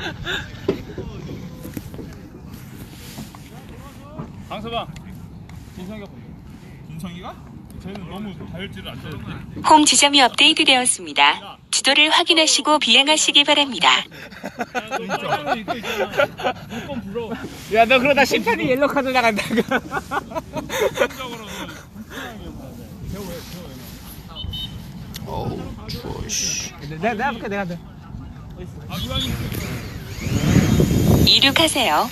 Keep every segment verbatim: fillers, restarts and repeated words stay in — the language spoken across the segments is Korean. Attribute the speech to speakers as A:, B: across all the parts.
A: 강서방 진성이가 보여. 진성이가? 쟤는 너무 다혈질을 안 되는데.
B: 홈 지점이 업데이트되었습니다. 지도를 확인하시고 비행하시기 바랍니다.
C: 야, 너 그러다 심판이 옐로 카드 나간다.
D: 어우 추워 씨.
C: 내가 내가 볼게 내가 돼.
B: 이륙하세요.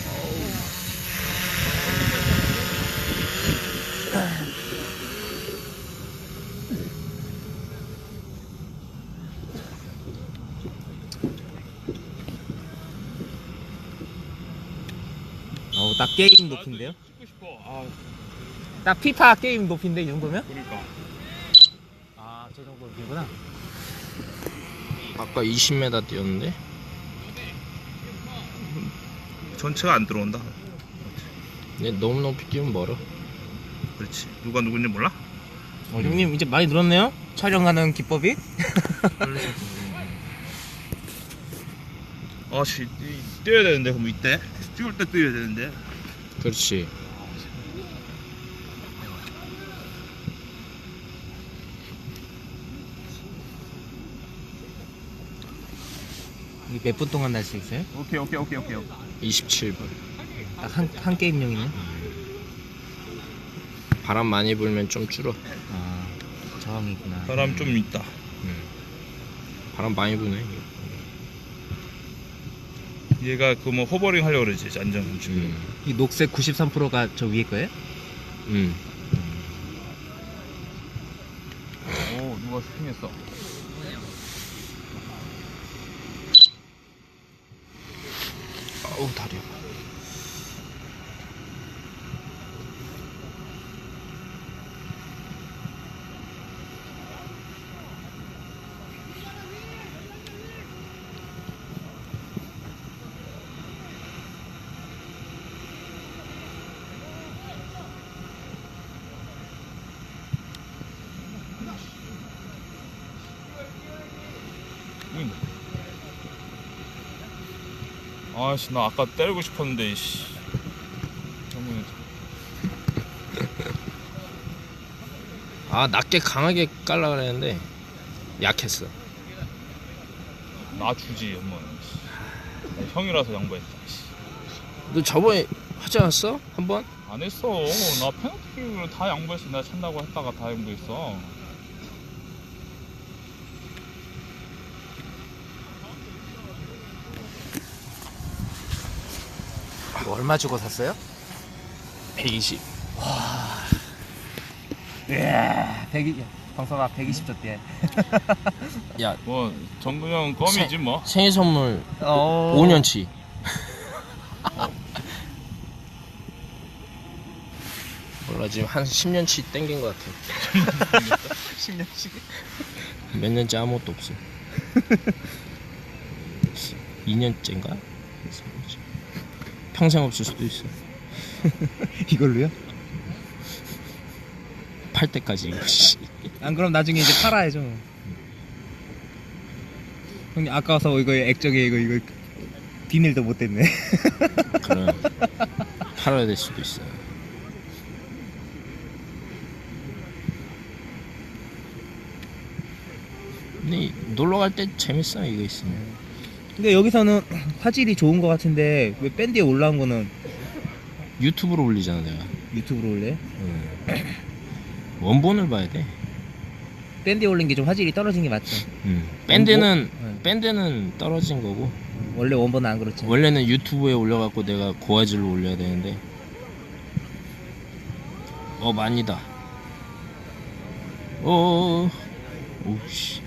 C: 어우, 딱 게임 높인데요?
A: 찍고 싶어. 아,
C: 딱 피파 게임 높인데 이 정도면?
A: 그러니까.
C: 아, 저 정도 높이구나.
D: 아까 이십 미터 뛰었는데.
A: 전체가 안 들어온다.
D: 근데 너무 높이 뛰면 멀어.
A: 그렇지. 누가 누군지 몰라?
C: 어, 형님 이제 많이 늘었네요? 촬영하는 기법이?
A: 아, 씨, 뛰어야 되는데 그럼 이때 찍을 때 뛰어야 되는데.
D: 그렇지.
C: 이게 몇 분 동안 날 수 있어요?
A: 오케이, 오케이, 오케이, 오케이.
D: 이십칠 분.
C: 딱 한 한 게임용이네.
D: 바람 많이 불면 좀 줄어.
C: 아, 저항이구나.
A: 사람 좀 있다.
D: 음. 바람 많이 부네.
A: 얘가 그 뭐 호버링 하려고 그러지 안전 지금.
D: 음.
C: 이 녹색 구십삼 퍼센트가 저 위에 거예요?
D: 음.
A: 오, 누가 스팅했어.
D: 아우 다리.
A: 응. 아씨, 나 아까 때리고 싶었는데 씨. 너무
D: 아 낮게 강하게 깔라 그랬는데 약했어.
A: 나 주지 엄마는. 형이라서 양보했다. 씨.
D: 너 저번에 하지 않았어? 한 번?
A: 안 했어. 나 페널티킥을 다 양보했어. 내가 찬다고 했다가 다 양보했어.
C: 이거 얼마 주고 샀어요?
D: 백이십.
C: 예, 백이 방송아 백이십 줬대.
D: 야
A: 뭐 정근 형 껌이지 뭐.
D: 생일 선물
C: 어.
D: 오 년치. 몰라 지금 한 십 년치 땡긴 것 같아.
C: 십 년씩.
D: 몇 년째 아무것도 없어. 이 년째인가? 평생 없을 수도 있어.
C: 이걸로요?
D: 팔 때까지 이거. 씨.
C: 안 그럼 나중에 이제 팔아야죠. 형님 아까워서 이거 액정에 이거 이거 비닐도 못 댔네.
D: 그럼 팔아야 될 수도 있어. 근데 놀러 갈 때 재밌어 이거 있으면.
C: 근데 여기서는 화질이 좋은 것 같은데 왜 밴드에 올라온 거는
D: 유튜브로 올리잖아 내가.
C: 유튜브로 올래?
D: 응. 원본을 봐야 돼.
C: 밴드에 올린 게 좀 화질이 떨어진 게 맞죠?
D: 응. 밴드는
C: 네.
D: 밴드는 떨어진 거고
C: 원래 원본은 안 그렇죠.
D: 원래는 유튜브에 올려갖고 내가 고화질로 올려야 되는데. 어 많이다. 어. 오씨.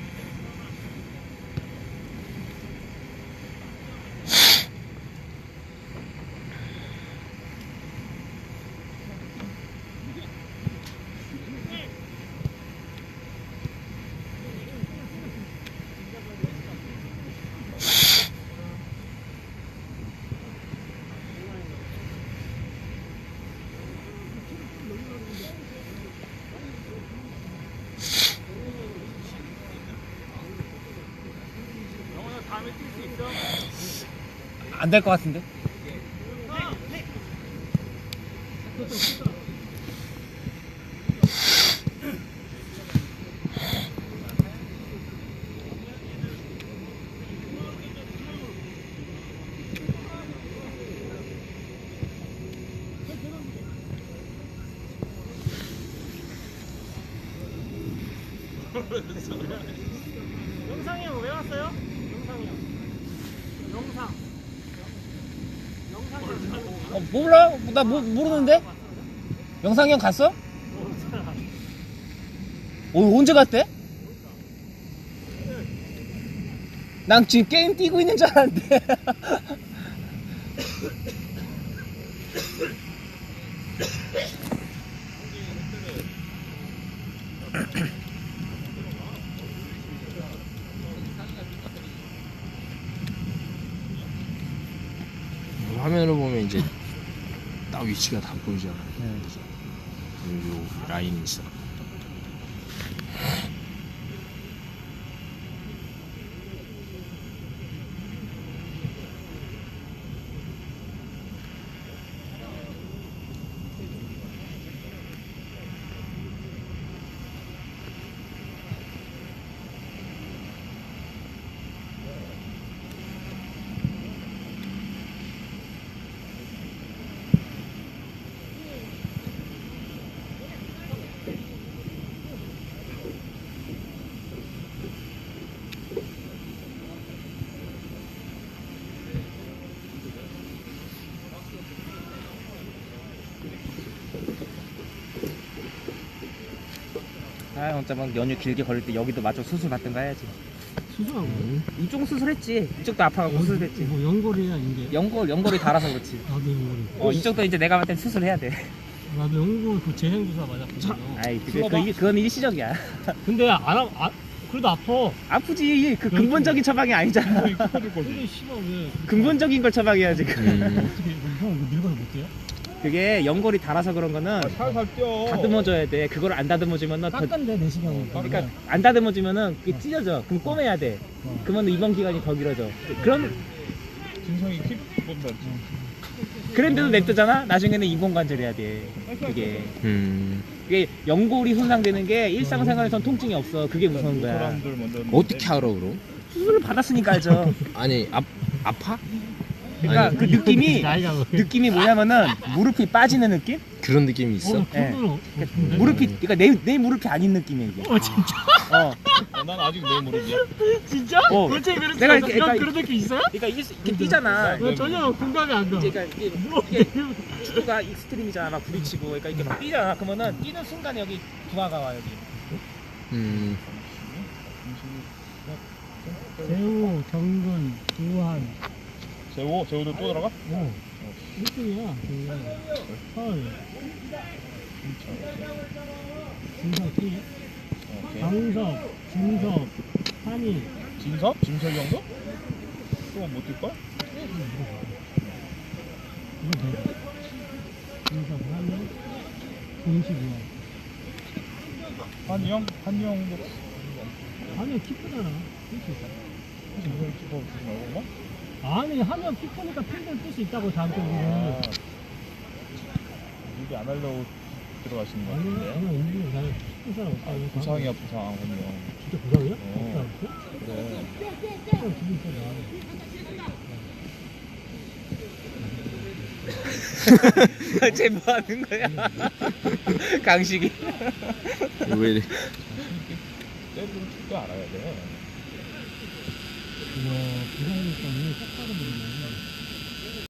C: 안 될 것 같은데?
E: 영상이 형 왜 왔어요? 영상이 형. 영상. 영상이
C: 어, 몰라? 나 모, 모르는데? 영상이 형 갔어? 어, 언제 갔대? 난 지금 게임 뛰고 있는 줄 알았는데.
D: 화면으로 보면 이제 딱 위치가 다 보이잖아.
C: 네.
D: 여기 요 라인이 있어.
C: 아, 진짜 막 연휴 길게 걸릴 때 여기도 마저 수술 받든가 해야지.
E: 수술하고.
C: 이쪽 수술했지. 이쪽도 아파가고 수술했지.
E: 뭐 연골이야 이게.
C: 연골, 연골이 닳아서 그렇지.
E: 나도 연골이.
C: 어, 이쪽도 이제 내가 봤을 땐 수술해야 돼.
E: 나도 연골 그 재생 주사 맞았거든.
C: 아이, 그, 그, 그, 그건 일시적이야.
E: 근데 안 아, 아 그래도 아파.
C: 아프지. 그 근본적인 처방이 아니잖아.
E: 근데 씨발 왜?
C: 근본적인 걸 처방해야지.
D: 음.
E: 어떻게 형 이거 늙어서 못해요?
C: 그게 연골이 닳아서 그런 거는
A: 살살 뛰어.
C: 다듬어줘야 돼. 그걸 안 다듬어주면 더,
E: 깎은데 내 시간은.
C: 그러니까 안 다듬어주면은 그게 찢어져. 그럼 꼬매야 돼. 그러면 입원 기간이 더 길어져. 그럼
A: 진성이 킵 본다.
C: 그런데도 냅두잖아. 나중에는 인공관절 해야 돼. 그게
D: 음.
C: 그게 연골이 손상되는 게 일상생활에선 통증이 없어. 그게 무서운 거야.
A: 사람들 먼저
D: 어떻게 알아 그럼?
C: 수술을 받았으니까 알죠.
D: 아니 아 아파?
C: 그러니까
D: 아니,
C: 그 느낌이
E: 나이가 뭐.
C: 느낌이 뭐냐면은 무릎이 빠지는 느낌?
D: 그런 느낌이 있어?
E: 어,
C: 예.
E: 그거는 어떤데?
C: 무릎이 그러니까 내, 내 무릎이 아닌 느낌이야 이게.
E: 어 진짜?
C: 어.
A: 어, 난 아직 내 무릎이야.
E: 진짜?
C: 어.
E: 어째 그랬어?
C: 내가
E: 내가
C: 이렇게-
E: 이런
C: 그러니까
E: 그런 느낌 있어요?
C: 그러니까 이게 이렇게 뛰잖아.
E: 나 전혀 공감이 안 가.
C: 이제 그러니까 이게,
E: 뭐,
C: 이게 축구가 익스트림이잖아. 막 부딪히고 그러니까 이렇게 막 뛰잖아. 그러면은 뛰는 순간에 여기 부하가 와 여기.
D: 음.
E: 재우, 정근, 우한.
A: 재호, 재호도 또 들어가?
E: 어. 일 등이야. 헐. 진석, 키.
A: 오케이.
E: 강석, 진석, 한이.
A: 진섭? 진섭이 형도? 또못 뛸 거야?
E: 이거 돼. 진석, 한이. 공식이야.
A: 한이 형? 한이 형도
E: 한이 키 크잖아. 뛸수 있어.
A: 진섭이 키퍼 주지 말고 뭐?
E: 아니, 하면 키 크니까 팬들 뛸 수 있다고, 자기
A: 아,
E: 우리는.
A: 얘기 안 하려고 들어가시는 거
E: 아니,
A: 같은데.
E: 아니, 은근히 나는 큰 사람 없다고.
A: 부상이야 부상 한이 형.
E: 진짜 부상이야?
A: 어.
E: 없다,
A: 그래.
E: 없어? 기분 쎄,
C: 쟤 뭐 하는 거야? 강식이.
D: 왜 이래?
A: 때리는 줄도 알아야 돼.
E: 우와, 부상이니까 눈이 똑바로 보이네.